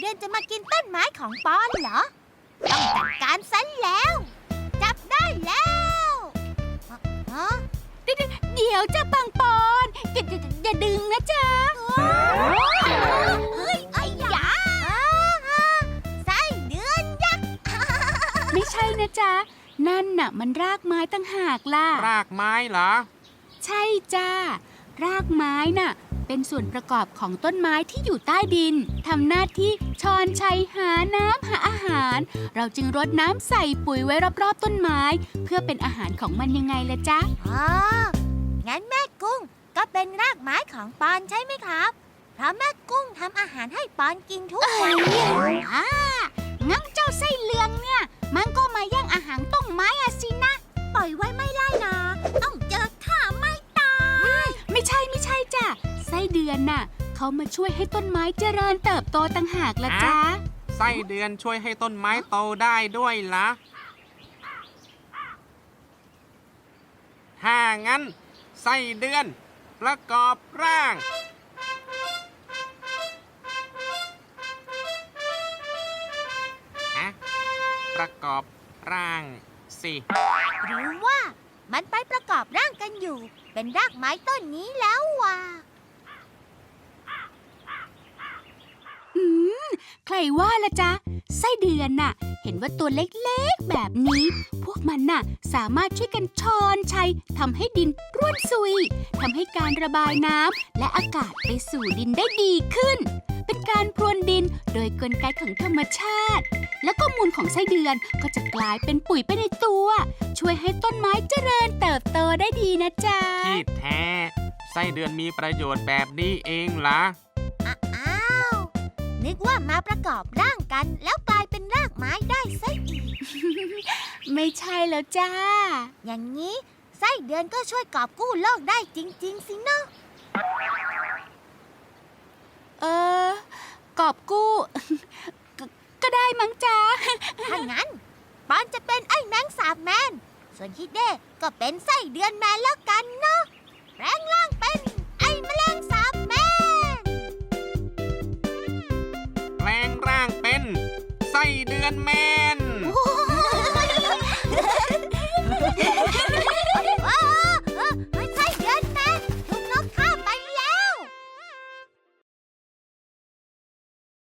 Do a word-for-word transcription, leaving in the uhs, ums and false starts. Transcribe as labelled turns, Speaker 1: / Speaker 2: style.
Speaker 1: ดือนจะมากินต้นไม้ของปอนเหรอต้องจัดการซะแล้วจับได้แล้วฮะ
Speaker 2: เดี๋ยวจะปังปอนอย่าอย่าอย่าดึงนะจ๊ะ
Speaker 1: เฮ้ยไอ้ยาไส้เดือนยักษ์
Speaker 2: ไม่ใช่นะจ๊ะนั่นน่ะมันรากไม้ตั้งหากล่ะ
Speaker 3: รากไม้เหรอ
Speaker 2: ใช่จ้ารากไม้น่ะเป็นส่วนประกอบของต้นไม้ที่อยู่ใต้ดินทำหน้าที่ช้อนชัยหาน้ำหาอาหาร เราจึงรดน้ำใส่ปุ๋ยไว้รอบๆต้นไม้ เพื่อเป็นอาหารของมันยังไงล่ะจ๊ะ
Speaker 1: อ๋องั้นแม่กุ้งก็เป็นรากไม้ของปอนใช่ไหมครับเพราะแม่กุ้งทำอาหารให้ปอนกินทุกวัน
Speaker 2: อ่างั้นเจ้าไส้เลืองเนี่ยมันก็มาแย่งอาหารต้นไม้อะสินะ
Speaker 1: ปล่อยไว้ไม่ได้นะต้องเจอข้าไม่ตาย
Speaker 2: ไม่ใช่ไม่ใช่จ้ะไส้เดือนน่ะเขามาช่วยให้ต้นไม้เจริญเติบโตต่างหากละจ๊ะ
Speaker 3: ไส้เดือนช่วยให้ต้นไม้โตได้ด้วยล่ะถ้างั้น ไส้เดือนประกอบร่างอะประกอบร่างสิ
Speaker 1: หรือว่ามันไปประกอบร่างกันอยู่ เป็นรากไม้ต้นนี้แล้วว่ะ
Speaker 2: อืมใครว่าละจ๊ะไส้เดือนน่ะ เห็นว่าตัวเล็กๆแบบนี้ พวกมันน่ะสามารถช่วยกันช้อนชัยทำให้ดินร่วนซุยทำให้การระบายน้ำและอากาศไปสู่ดินได้ดีขึ้น เป็นการพรวนดินโดยกลไกของธรรมชาติ แล้วก็มูลของไส้เดือนก็จะกลายเป็นปุ๋ยไปในตัว ช่วยให้ต้นไม้เจริญเติบโตได้ดีนะจ๊ะ
Speaker 3: ที่แท้ไส้เดือนมีประโยชน์แบบนี้เองล่ะ
Speaker 1: อ้าวนึกว่ามาประกอบร่างกันแล้วกลายเป็นรากไม้ได้ซะอีก
Speaker 2: ไม่ใช่แล้วจ้า
Speaker 1: อย่างนี้ไส้เดือนก็ช่วยกอบกู้โลกได้จริง ๆ สินะ
Speaker 2: เออกอบกู้ กก็ได้มั้งจ้า
Speaker 1: ถ้างั้นปอนจะเป็นไอ้แมงสาบแมน ส่วนฮิเด้ก็เป็นไส้เดือนแมนแล้วกันเนาะแปลงร่างเป็นไอ้แมลงสาบแมน
Speaker 3: แปลงร่างเป็นไส้เดือนแมน